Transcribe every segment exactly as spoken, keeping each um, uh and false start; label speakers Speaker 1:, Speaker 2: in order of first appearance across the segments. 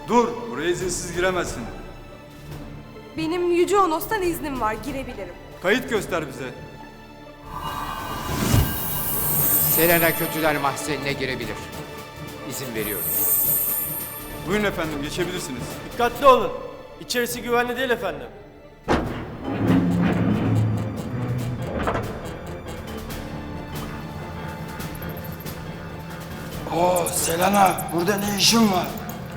Speaker 1: Dur, buraya izinsiz giremezsin.
Speaker 2: Benim Yüce Onos'tan iznim var, girebilirim.
Speaker 1: Kayıt göster bize.
Speaker 3: Selena Kötüler Mahzeni'ne girebilir. İzin veriyorum.
Speaker 1: Buyurun efendim, geçebilirsiniz.
Speaker 4: Dikkatli olun. İçerisi güvenli değil efendim.
Speaker 5: Oo Selena, burada ne işin var?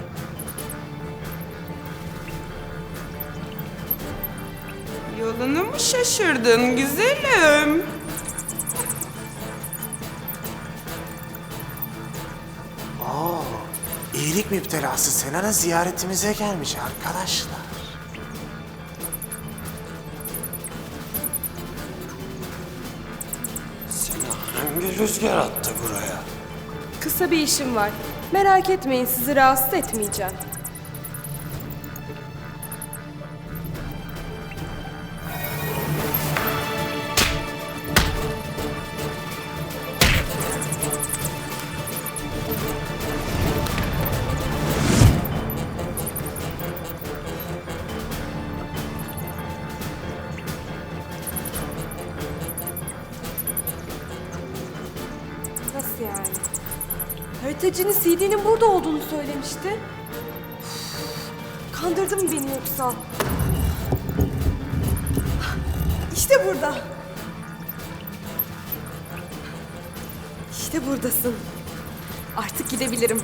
Speaker 6: Yolunu mu şaşırdın güzelim?
Speaker 7: Oo, iyilik müptelası Selena ziyaretimize gelmiş arkadaşlar.
Speaker 5: Seni hangi rüzgar attı buraya?
Speaker 2: Kısa bir işim var. Merak etmeyin, sizi rahatsız etmeyeceğim. Nasıl yani? Haritacının C D'nin burada olduğunu söylemişti. Üf, kandırdı mı beni yoksa? İşte burada. İşte buradasın. Artık gidebilirim.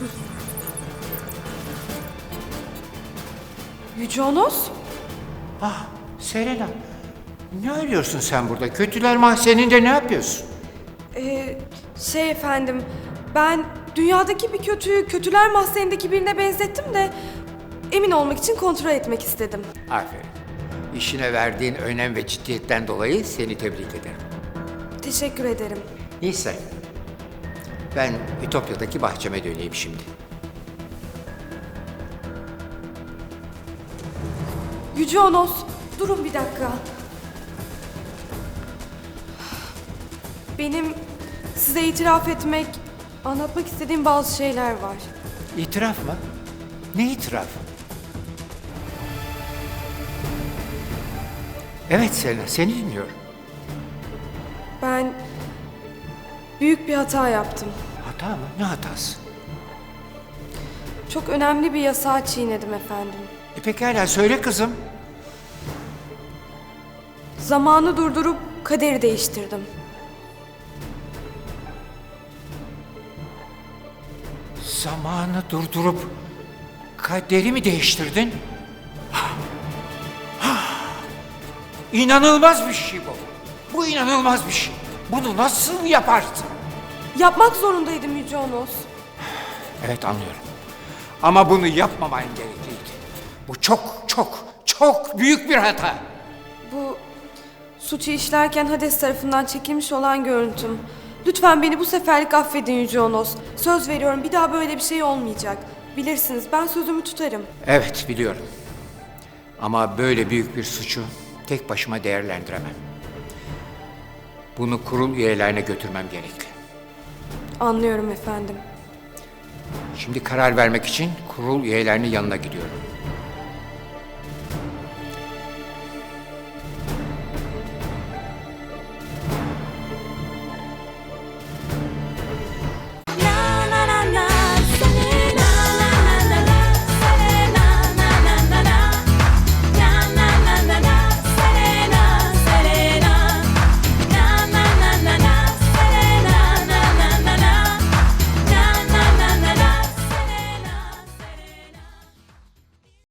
Speaker 2: Yüce Onos?
Speaker 3: Ah, Selena. Ne arıyorsun sen burada? Kötüler Mahzeni'nde ne yapıyorsun?
Speaker 2: Ee, şey efendim, ben dünyadaki bir kötüyü kötüler mahzenindeki birine benzettim de emin olmak için kontrol etmek istedim.
Speaker 3: Aferin. İşine verdiğin önem ve ciddiyetten dolayı seni tebrik ederim.
Speaker 2: Teşekkür ederim.
Speaker 3: Neyse. Ben Ütopya'daki bahçeme döneyim şimdi.
Speaker 2: Yüce Onos, durun bir dakika. Benim size itiraf etmek, anlatmak istediğim bazı şeyler var.
Speaker 3: İtiraf mı? Ne itirafı? Evet Selena, seni dinliyorum.
Speaker 2: Ben büyük bir hata yaptım.
Speaker 3: Hata mı? Ne hatası?
Speaker 2: Çok önemli bir yasağı çiğnedim efendim.
Speaker 3: E pekala söyle kızım.
Speaker 2: Zamanı durdurup kaderi değiştirdim.
Speaker 3: Zamanı durdurup kaderi mi değiştirdin? İnanılmaz bir şey bu. Bu inanılmaz bir şey. Bunu nasıl yaparsın?
Speaker 2: Yapmak zorundaydım Yüce Onos.
Speaker 3: Evet anlıyorum. Ama bunu yapmaman gerekliydi. Bu çok çok çok büyük bir hata.
Speaker 2: Bu suçu işlerken Hades tarafından çekilmiş olan görüntüm. Lütfen beni bu seferlik affedin Yüce Onos. Söz veriyorum, bir daha böyle bir şey olmayacak. Bilirsiniz, ben sözümü tutarım.
Speaker 3: Evet biliyorum. Ama böyle büyük bir suçu tek başıma değerlendiremem. Bunu kurul üyelerine götürmem gerekli.
Speaker 2: Anlıyorum efendim.
Speaker 3: Şimdi karar vermek için kurul üyelerinin yanına gidiyorum.